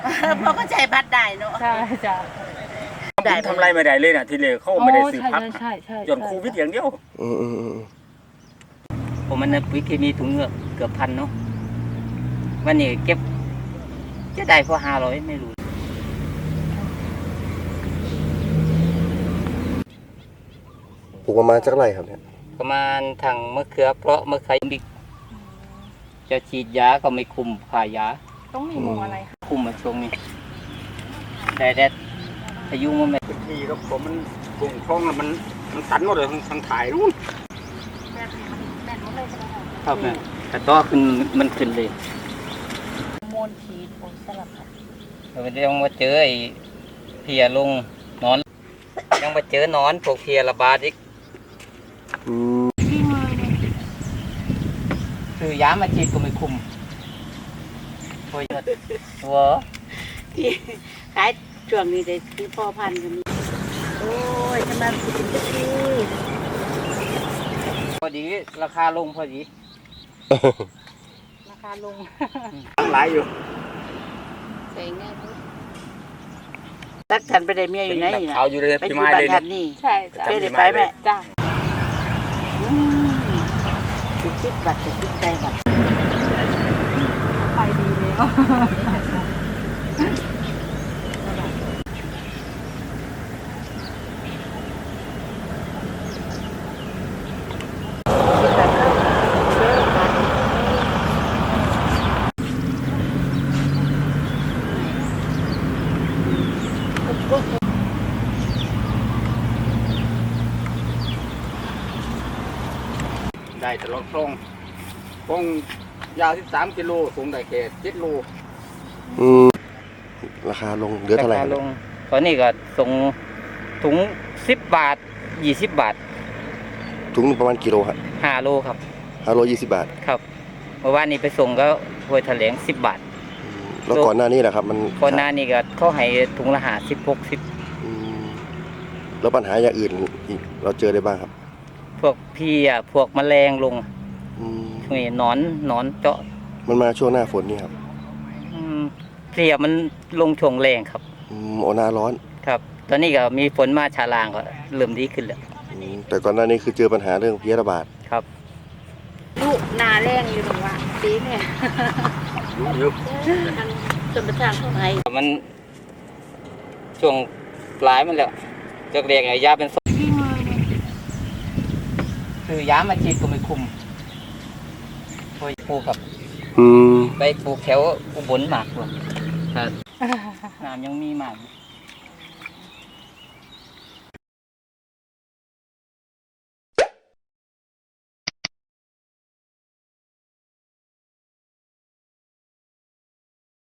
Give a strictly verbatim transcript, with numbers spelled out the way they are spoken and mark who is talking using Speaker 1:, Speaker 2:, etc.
Speaker 1: เพราะก็ใจพัดได้เนาะ
Speaker 2: ใช่จ้ะ
Speaker 3: ได้ทำไรไม่ได้เลยนะทีเดียวเขาไม่ได้ซื้อพักจนโควิดอย่างเดียว
Speaker 4: ผมมันปุ๋ยเคมีถุงเงือกเกือบพันเนาะวันนี้เก็บจะได้พอห้าร้อยไม่รู้
Speaker 5: ปลูกประมาณจักไรครับเนี่ย
Speaker 4: ประมาณทางมะเขือเพราะมะเขือบิ๊กจะฉีดยาก็ไม่คุมผ่ายา
Speaker 2: ต้องมีมุมอะไรคะ
Speaker 4: คุมมาช่วงนี้แต่แดดพายุมันไม่
Speaker 3: ทีครับผมมันกลุ่มคลองมันมันตันหมดเลยทางถ่ายนู่น
Speaker 2: แบบนี้มันแบ่งหมดเลยใช่ไหมคะ
Speaker 4: ครับเนี่ยแต่ต่อขึ้นมันขึ้นเลย
Speaker 2: โมนขีดผลสลับค่ะ
Speaker 4: เราไปยังมาเจอไอ้เพียลงนอนยังมาเจอนอนพวกเพียระบาดอีก
Speaker 2: ที่มือเนี่ย
Speaker 4: คือยามาฉีดก็ไม่คุมโอยตัว
Speaker 1: ที่ขายช่วงนี้ได้ที่พ่อพันธุ์กันโอ้ยจะมาสิบปี
Speaker 4: พอดีราคาลงพอดี
Speaker 2: ราคาลง
Speaker 3: ตั้งหลายอยู่
Speaker 1: ใส่ง่ายพุทธตักทันไปได้เมียอยู่ไหนนะ
Speaker 3: เอาอยู่เลย
Speaker 1: ไปอยู่บ้านทันนี่
Speaker 2: ใช่จ้ะ
Speaker 1: ไปได้ไปแม่
Speaker 2: จ้ะ
Speaker 1: ติดติดบัตรติดติดใจบัตร
Speaker 2: ไปดีเลย
Speaker 3: ได้ตลอดคลองคลองยาวสิบสามกิโลสูงได้แค่เจ็ดโล
Speaker 5: อืมราคาลงเหลือเท่าไหร่
Speaker 4: ราคาลงตอนนี้ก็ส่งถุงสิบบาทยี่สิบบาท
Speaker 5: ถุงประมาณกิโลครับ
Speaker 4: ห้าโลครับ
Speaker 5: ห้าโลยี่สิบบาท
Speaker 4: ครับเมื่อวานนี้ไปส่งก็ห้วยแถลงสิบบาท
Speaker 5: แล้วก่อนหน้านี้แหละครับมัน
Speaker 4: ก่อนหน้านี้ก็เขาให้ถุงละห้าสิบหกสิบ
Speaker 5: แล้วปัญหาอย่างอื่นเราเจอได้บ้างครับ
Speaker 4: พวกพี่อ่ะพวกแมลงลงช่วงนี้นอนนอนเจาะ
Speaker 5: มันมาช่วงหน้าฝนนี่ครับ
Speaker 4: เพลียมันลงช่วงแรงครับ
Speaker 5: อืมโอหน้าร้อน
Speaker 4: ครับตอนนี้ก็มีฝนมาชาลางก็เริ่มดีขึ้นแล้ว
Speaker 5: แต่ก่อนหน้านี้คือเจอปัญหาเรื่องเพลี้ยระบาด
Speaker 4: ครับ
Speaker 1: ลูกนาแรงอยู่ตรงว่าปีเนี่ย
Speaker 3: ยุบ
Speaker 1: จนประชาชนไทย
Speaker 4: มันช่วงปลายมันแล้วจากเรียกไงยาเป็นคือยามาฉีดก็ไม่คุมโอยปลูกกับไปปลูกแถวอุบลมากกว่าน้ำยังมีมาก